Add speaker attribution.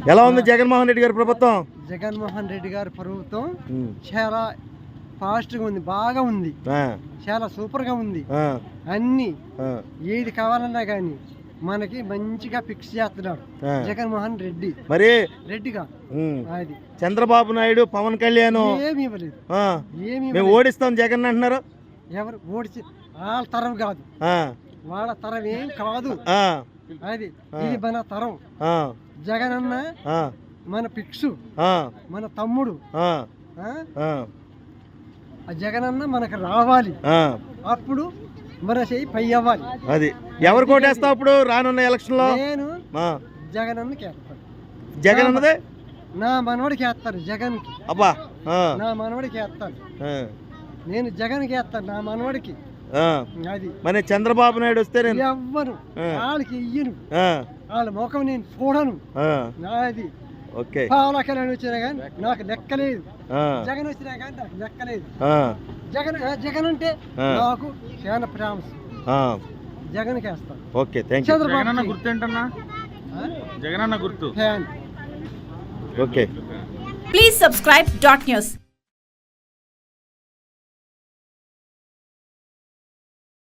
Speaker 1: ఎలా ఉంది జగన్మోహన్ రెడ్డి గారి ప్రభుత్వం?
Speaker 2: జగన్మోహన్ రెడ్డి గారి ప్రభుత్వం చాలా ఫాస్ట్గా ఉంది, బాగా ఉంది, చాలా సూపర్గా ఉంది. అన్ని ఏది కావాలన్నా కానీ మనకి మంచిగా ఫిక్స్ చేస్తున్నాడు జగన్మోహన్ రెడ్డి.
Speaker 1: మరి
Speaker 2: రెడ్డిగా అది
Speaker 1: చంద్రబాబు నాయుడు, పవన్ కళ్యాణ్
Speaker 2: ఏమి ఇవ్వలేదు,
Speaker 1: మేము ఓడిస్తాం జగన్ అంటున్నారు.
Speaker 2: ఎవరు ఓడిచి వాళ్ళ తరం కాదు, వాళ్ళ తరం ఏం కాదు. అది ఇది మన తరం. జగన్ అన్న మన ఫిక్స్, మన తమ్ముడు. జగన్ అన్న మనకు రావాలి, అప్పుడు మన చెయ్యి పై అవ్వాలి.
Speaker 1: అది ఎవరు కోటేస్తావు అప్పుడు రానున్న ఎలక్షన్ లో?
Speaker 2: నేను జగన్ అన్నకి వేస్తాను.
Speaker 1: జగన్ అన్నదే
Speaker 2: నా మనవడికి వేస్తారు. జగన్ కి
Speaker 1: అబ్బా
Speaker 2: నా మనవడికి వేస్తాను. నేను జగన్ కి వేస్తాను, నా మనవడికి. అది
Speaker 1: మరి చంద్రబాబు నాయుడు వస్తే నేను
Speaker 2: ఎవ్వను వాళ్ళకి ఇయ్యను, వాళ్ళ ముఖం నేను చూడను. అది
Speaker 1: ఓకే.
Speaker 2: పవన్ కళ్యాణ్ వచ్చినా కానీ నాకు లెక్కలేదు, జగన్ వచ్చినా కానీ నాకు లెక్కలేదు. జగన్ అంటే నాకు చాలా ప్రామిస్, జగన్ వేస్తాను.
Speaker 1: Okay, thank you.
Speaker 2: చంద్రబాబు
Speaker 3: గుర్తు ఏంటన్నా? జగన్ అన్న గుర్తు.
Speaker 1: ఓకే.
Speaker 4: Please subscribe .news.